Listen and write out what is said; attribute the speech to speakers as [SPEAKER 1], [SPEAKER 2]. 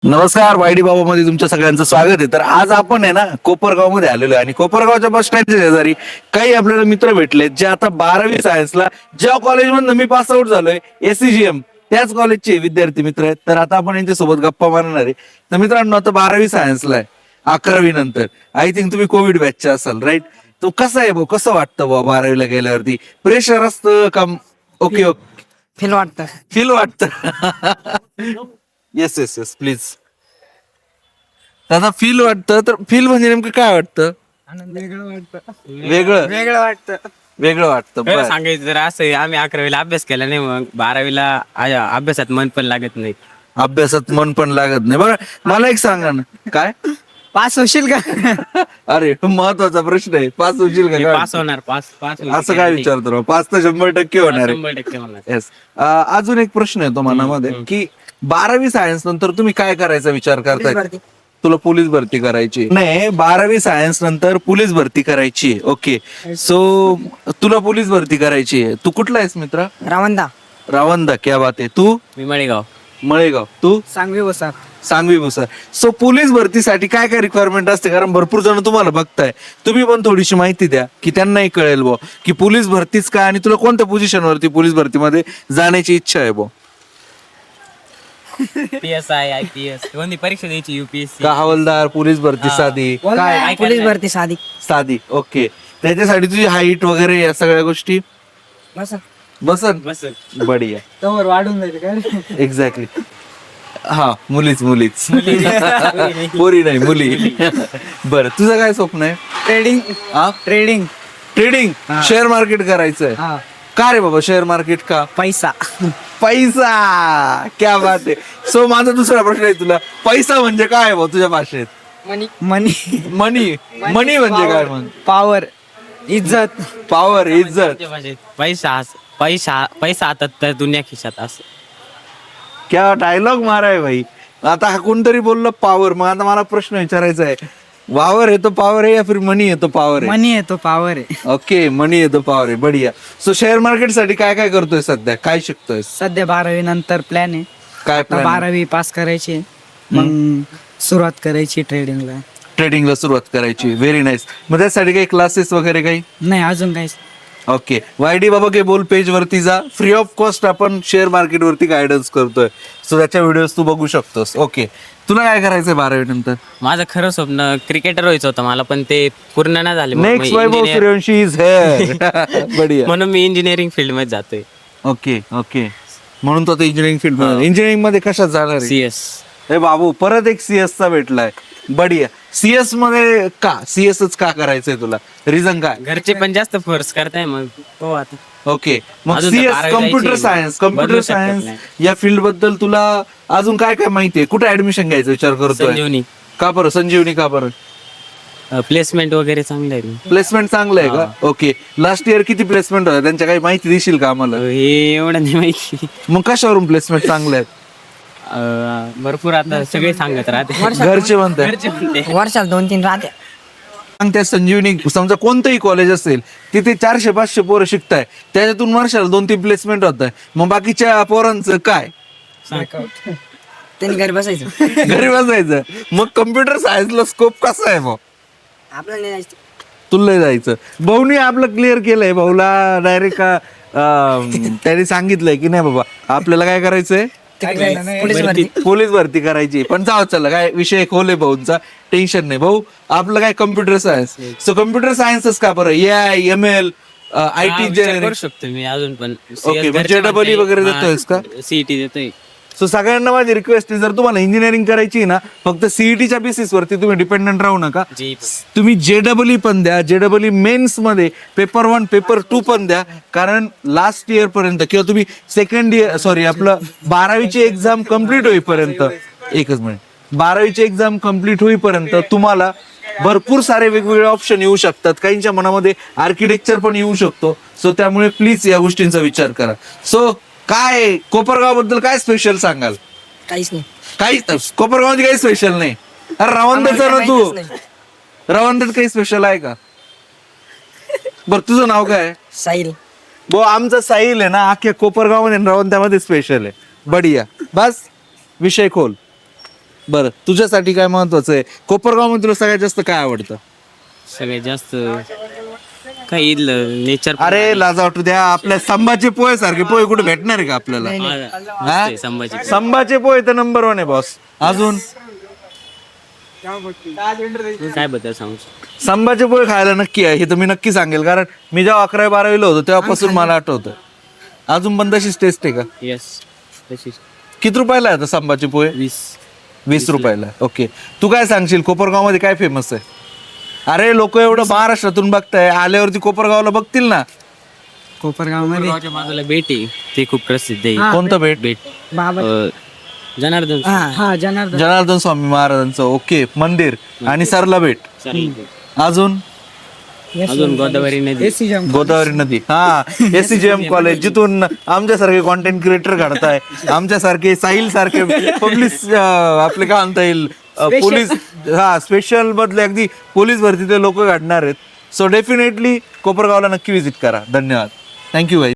[SPEAKER 1] नमस्कार वायडी बाबा मध्ये तुमच्या सगळ्यांचं स्वागत आहे. तर आज आपण आहे ना कोपरगाव मध्ये आलेलो आहे आणि कोपरगावच्या बस स्टँडच्या शेजारी काही आपल्याला मित्र भेटले जे आता 12वी सायन्सला ज्या कॉलेजमधून मी पास आउट झालोय एसीजीएम त्याच कॉलेजचे विद्यार्थी मित्र आहेत. तर आता आपण यांच्यासोबत गप्पा मारणार आहे. तर मित्रांनो आता 12वी सायन्सला आहे, 11वी नंतर आय थिंक तुम्ही कोविड बॅचचे असाल राईट. तो कसं आहे भाऊ, कसं वाटतं भाऊ 12वीला गेल्यावरती प्रेशर असतं का? ओके ओके
[SPEAKER 2] फील वाटतं.
[SPEAKER 1] फील वाटतं. Yes yes yes please. दादा फील वाटतं तर फील म्हणजे नेमकं काय वाटतं?
[SPEAKER 2] वेगळं वाटतं.
[SPEAKER 1] वेगळं
[SPEAKER 2] वेगळं वाटतं.
[SPEAKER 1] वेगळं वाटतं.
[SPEAKER 3] खरं
[SPEAKER 1] बरं.
[SPEAKER 3] सांगायचं तर असं आहे, आम्ही 11वीला अभ्यास केला नाही, मग 12वीला अभ्यासात मन पण लागत नाही.
[SPEAKER 1] अभ्यासात मन पण लागत नाही. बरं मला एक सांगा ना काय.
[SPEAKER 2] पास होशील का?
[SPEAKER 1] अरे महत्वाचा प्रश्न आहे, पास होशील का
[SPEAKER 3] मी
[SPEAKER 1] काय?
[SPEAKER 3] पास होणार, पास पास
[SPEAKER 1] असं काय विचारतो राव? पास तर 100% होणार आहे.
[SPEAKER 3] 100% होणार.
[SPEAKER 1] येस. अजून एक प्रश्न येतो मनामध्ये की 12वी सायन्स नंतर तुम्ही काय करायचा विचार करताय? तुला पोलीस भरती करायची नाही? 12वी सायन्स नंतर पोलीस भरती करायची. ओके सो तुला पोलीस भरती करायची आहे. तू कुठला आहेस मित्रा?
[SPEAKER 2] रावंदा.
[SPEAKER 1] रावंदा. क्या बात आहे. तू?
[SPEAKER 3] मी मळेगाव.
[SPEAKER 1] मळेगाव. तू?
[SPEAKER 2] सांगवी बसा.
[SPEAKER 1] सांगवी भुसार. सो पोलीस भरतीसाठी काय काय रिक्वायरमेंट असते? कारण भरपूर जण तुम्हाला बघताय, तुम्ही पण थोडीशी माहिती द्या की त्यांनाही कळेल बो की पोलीस भरतीच काय आणि तुला कोणत्या पोझिशन वरती पोलीस भरतीमध्ये जाण्याची इच्छा आहे बो.
[SPEAKER 3] PSI IPS कोणती परीक्षा द्यायची? UPSC
[SPEAKER 1] का हवालदार, पोलीस भरती साधी
[SPEAKER 2] काय पोलीस भरती साधी.
[SPEAKER 1] साधी. ओके. त्याच्यासाठी तुझी हाईट वगैरे या सगळ्या गोष्टी
[SPEAKER 2] बसा.
[SPEAKER 1] बसन
[SPEAKER 3] बस.
[SPEAKER 1] बढिया.
[SPEAKER 2] तवर वाढून जाईल काय?
[SPEAKER 1] एक्झॅक्टली. हा मुलीच मुलीच पोरी नाही मुली. बरं तुझं काय स्वप्न आहे?
[SPEAKER 2] ट्रेडिंग.
[SPEAKER 1] हा
[SPEAKER 2] ट्रेडिंग.
[SPEAKER 1] ट्रेडिंग, शेअर मार्केट करायचंय.
[SPEAKER 2] हा.
[SPEAKER 1] का रे बाबा शेअर मार्केट का?
[SPEAKER 2] पैसा.
[SPEAKER 1] पैसा. क्या बात आहे. सो माझा दुसरा प्रश्न आहे तुला, पैसा म्हणजे काय आहे भाऊ तुझ्या भाषेत?
[SPEAKER 2] मनी. मनी.
[SPEAKER 1] मनी. मनी म्हणजे काय म्हण?
[SPEAKER 2] पॉवर. इज्जत.
[SPEAKER 1] पॉवर, इज्जत.
[SPEAKER 3] पैसा पैसा पैसा हातात तर दुनिया खिशात असं.
[SPEAKER 1] क्या डायलॉग माराय भाई. आता हा कोणतरी बोललं पॉवर, मग आता मला प्रश्न विचारायचा आहे, वावर आहे तो पॉवर आहे या फिर मनी आहे तो पॉवर आहे?
[SPEAKER 2] मनी आहे तो पॉवर आहे.
[SPEAKER 1] ओके मनी आहे तो पॉवर आहे. बढिया. सो शेअर मार्केट साठी काय काय करतोय सध्या, काय शिकतोय?
[SPEAKER 2] सध्या 12वी नंतर प्लॅन आहे.
[SPEAKER 1] काय
[SPEAKER 2] आता
[SPEAKER 1] plan आहे?
[SPEAKER 2] 12वी पास करायची, मग सुरुवात करायची ट्रेडिंगला.
[SPEAKER 1] ट्रेडिंगला सुरुवात करायची. Very nice. मग त्यासाठी काही क्लासेस वगैरे काही?
[SPEAKER 2] नाही अजून काहीच.
[SPEAKER 1] ओके. वायडी बाबा के बोल पेज वरती जा, फ्री ऑफ कॉस्ट आपण शेअर मार्केट वरती गायडन्स करतोय. सो त्याच्या व्हिडिओज तू बघू शकतोस. ओके. तुला काय करायचंय 12वी नंतर?
[SPEAKER 3] माझं खरं स्वप्न क्रिकेटर व्हायचं होतं मला, पण ते पूर्ण नाही झाले. मग मी
[SPEAKER 1] next Vaibhav
[SPEAKER 3] engineer-
[SPEAKER 1] Suryavanshi is here. बढिया.
[SPEAKER 3] म्हणून मी इंजिनिअरिंग फील्ड मध्ये जातोय.
[SPEAKER 1] Okay okay. म्हणून तो आता इंजिनिअरिंग फील्ड इंजिनिअरिंग मध्ये कशात जाणार आहे?
[SPEAKER 3] CS.
[SPEAKER 1] हे बाबू परत एक सीएस चा भेटलाय. बढिया. सीएस मध्ये का? सीएसच का करायचंय तुला? रिझन काय?
[SPEAKER 3] घरचे पण जास्त फोर्स करताय, मग हो आता.
[SPEAKER 1] ओके. मग
[SPEAKER 3] अजून तर
[SPEAKER 1] सीएस
[SPEAKER 3] 12वी
[SPEAKER 1] कम्प्युटर
[SPEAKER 3] जायची.
[SPEAKER 1] सायन्स, कम्प्युटर
[SPEAKER 3] बदलू शकत
[SPEAKER 1] सायन्स
[SPEAKER 3] नाही.
[SPEAKER 1] या फील्ड बद्दल तुला अजून काय काय माहितीये? कुठे ऍडमिशन घ्यायचा विचार करतोय?
[SPEAKER 3] संजीवनी.
[SPEAKER 1] का बरं संजीवनी? का बरं?
[SPEAKER 3] प्लेसमेंट वगैरे चांगलं आहे.
[SPEAKER 1] प्लेसमेंट चांगलं आहे का? ओके. लास्ट इयर किती प्लेसमेंट होत्या त्यांच्या काही माहिती देशील का आम्हाला?
[SPEAKER 3] हे एवढं नाही माहिती.
[SPEAKER 1] मग कशावरून प्लेसमेंट चांगले आहेत?
[SPEAKER 3] भरपूर आता सगळे सांगत राहते.
[SPEAKER 1] घरचे म्हणतात.
[SPEAKER 3] घरचे म्हणते.
[SPEAKER 2] वर्षाला 2-3 राहते.
[SPEAKER 1] मग त्या संजीवनी समजा कोणतंही कॉलेज असेल तिथे 400-500 पोरं शिकताय, त्याच्यातून वर्षाला 2-3 प्लेसमेंट होत आहे. मग बाकीच्या पोरांचं काय?
[SPEAKER 2] त्यांनी घरी बसायचं.
[SPEAKER 1] घरी बसायचं. मग कम्प्युटर सायन्सला स्कोप कसा आहे भाऊ?
[SPEAKER 2] आपल्याला नाही जायचं.
[SPEAKER 1] तुला जायचं. भाऊनी आपलं क्लिअर केलंय. भाऊला डायरेक्ट त्यांनी सांगितलंय की नाही बाबा आपल्याला काय करायचंय?
[SPEAKER 2] पोलीस भरती.
[SPEAKER 1] पोलीस भरती करायची. पण जाऊ चला काय विषय खोले भाऊंचा, टेन्शन नाही. भाऊ आपलं काय कम्प्युटर सायन्स. सो कम्प्युटर सायन्सच का बरं? AI ML IT
[SPEAKER 3] करू शकतो मी अजून पण.
[SPEAKER 1] ओके. म्हणजे JEE वगैरे देतोयस का?
[SPEAKER 3] सीईटी देतोय.
[SPEAKER 1] सो सगळ्यांना माझी रिक्वेस्ट आहे, जर तुम्हाला इंजिनिअरिंग करायची आहे ना, फक्त सीईटीच्या बेसिस वरती तुम्ही डिपेंडंट राहू नका. तुम्ही JEE पण द्या. JEE मेन्स मध्ये पेपर 1 पेपर 2 पण द्या. कारण लास्ट इयर पर्यंत किंवा तुम्ही सेकंड इयर सॉरी आपलं 12वीची एक्झाम कम्प्लीट होईपर्यंत, एकच मिनिट, 12वीची एक्झाम कम्प्लीट होईपर्यंत तुम्हाला भरपूर सारे वेगवेगळे ऑप्शन येऊ शकतात. काहींच्या मनामध्ये आर्किटेक्चर पण येऊ शकतो. सो त्यामुळे प्लीज या गोष्टींचा विचार करा. सो काय कोपरगाव बद्दल काय स्पेशल सांगाल?
[SPEAKER 2] काहीच नाही.
[SPEAKER 1] काही कोपरगावची काही स्पेशल नाही. अरे रवंदाचा ना तू, रवंदात काही स्पेशल आहे का? बर तुझं नाव काय?
[SPEAKER 2] साहिल.
[SPEAKER 1] भाऊ आमचा साहिल आहे ना अख्ख्या कोपरगाव मध्ये रवंत्यामध्ये स्पेशल आहे. बढिया. बस विषय खोल. बरं तुझ्यासाठी काय महत्वाचं आहे कोपरगाव मध्ये तुला सगळ्यात जास्त काय आवडतं?
[SPEAKER 3] सगळ्यात जास्त काय इथलं नेचर
[SPEAKER 1] अरे लाजा वाटू द्या आपल्या संभाचे पोहे सारखे पोहे कुठे भेटणार आहे का आपल्याला? हा?
[SPEAKER 3] संभाजी
[SPEAKER 1] संभाचे पोहे तर नंबर 1 आहे बॉस. अजून
[SPEAKER 3] काय बद्दल सांगू
[SPEAKER 1] संभाचे पोहे खायला नक्की आहे हे तर मी नक्की सांगेल कारण मी जेव्हा 11वी-12वीला होतो तेव्हापासून मला आठवतं. अजून पण तशीच टेस्ट आहे का?
[SPEAKER 3] येस तशी
[SPEAKER 1] किती रुपयाला आहे आता संभाचे पोहे? 20 रुपयाला. ओके तू काय सांगशील कोपरगाव मध्ये काय फेमस आहे? अरे लोक एवढं महाराष्ट्रातून बघताय आल्यावरती कोपरगावला बघतील ना.
[SPEAKER 2] कोपरगाव मध्ये
[SPEAKER 3] कोपरगावच्या बाजूला भेट आहे ते खूप प्रसिद्ध आहे.
[SPEAKER 1] कोणतं भेट?
[SPEAKER 3] भेट
[SPEAKER 2] बाबा
[SPEAKER 3] जनार्दन
[SPEAKER 2] हा जनार्दन
[SPEAKER 1] जनार्दन स्वामी महाराजांचं ओके मंदिर आणि सरला भेट. अजून
[SPEAKER 3] अजून गोदावरी नदी
[SPEAKER 1] गोदावरी नदी हा SCGM कॉलेज जिथून आमच्यासारखे कॉन्टेंट क्रिएटर घडताय आमच्यासारखे साहिल सारखे पोलीस आपले काय म्हणता येईल पोलीस हा स्पेशल मधले अगदी पोलीस भरतीचे लोक घडणार आहेत. सो डेफिनेटली कोपरगावला नक्की विजिट करा. धन्यवाद. थँक्यू भाई.